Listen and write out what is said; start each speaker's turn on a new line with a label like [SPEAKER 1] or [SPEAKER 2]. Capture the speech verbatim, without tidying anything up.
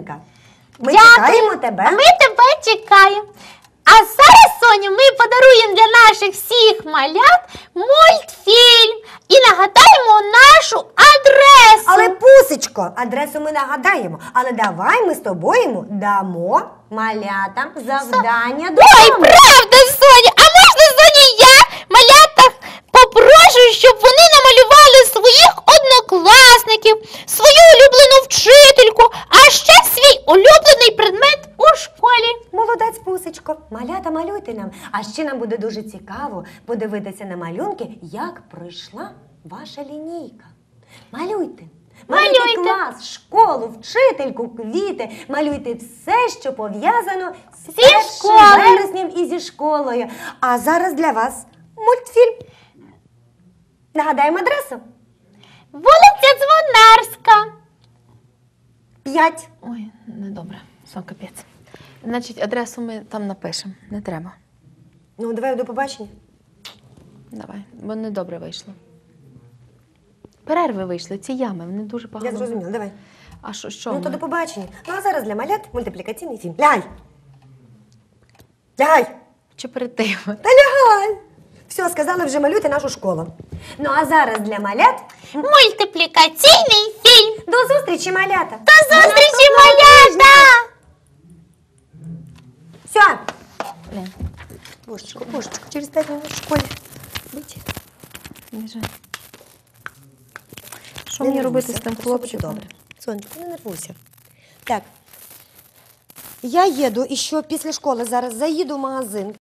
[SPEAKER 1] Ми
[SPEAKER 2] Дякую.
[SPEAKER 1] чекаємо тебе.
[SPEAKER 2] А ми тебе чекаємо. А зараз, Соню, ми подаруємо для наших всіх малят мультфільм і нагадаємо нашу адресу.
[SPEAKER 1] Але, Пусечко, адресу ми нагадаємо. Але давай ми з тобою дамо малятам завдання додому.
[SPEAKER 2] Ой, правда, Соня! А можна, Соня, я малятах попрошу, щоб вони намалювали своїх однокласників, свою улюблену вчительку, а ще свій улюблений предмет у школі.
[SPEAKER 1] Молодець, Пусечко. Малята, малюйте нам. А ще нам буде дуже цікаво подивитися на малюнки, як пройшла ваша лінійка. Малюйте. Малюйте
[SPEAKER 2] Малюйте.
[SPEAKER 1] клас, школу, вчительку, квіти. Малюйте все, що пов'язано з
[SPEAKER 2] Зі
[SPEAKER 1] першим
[SPEAKER 2] школою.
[SPEAKER 1] вереснем і зі школою. А зараз для вас мультфільм. Нагадаємо адресу.
[SPEAKER 2] Вулиця Дзвонарська.
[SPEAKER 1] П'ять.
[SPEAKER 3] Ой, недобре, сон капець. Значить, адресу ми там напишемо, не треба.
[SPEAKER 1] Ну, давай до побачення.
[SPEAKER 3] Давай, бо недобре вийшло. Перерви вийшли, ці ями, вони дуже погано.
[SPEAKER 1] Я зрозуміла, давай.
[SPEAKER 3] А що, що
[SPEAKER 1] Ну,
[SPEAKER 3] ми?
[SPEAKER 1] то до побачення. Ну, а зараз для малят мультиплікаційний фільм. Лягай! Лягай!
[SPEAKER 3] Чи перед тим?
[SPEAKER 1] Та лягай! Все, сказали, вже малюйте нашу школу. Ну, а зараз для малят
[SPEAKER 2] Мультиплікаційний фільм.
[SPEAKER 1] до зустрічі, малята!
[SPEAKER 2] До зустрічі, малята!
[SPEAKER 1] Все!
[SPEAKER 3] Блін,
[SPEAKER 1] Божечко, божечко, через п'ять минут в школі. Будь.
[SPEAKER 3] біжи. Що
[SPEAKER 1] Не
[SPEAKER 3] мені робити
[SPEAKER 1] нервуйся,
[SPEAKER 3] з тим
[SPEAKER 1] все буде
[SPEAKER 3] хлопчиком?
[SPEAKER 1] добре. Сонечко, не нервуйся. Так. Я їду і що після школи зараз заїду в магазин.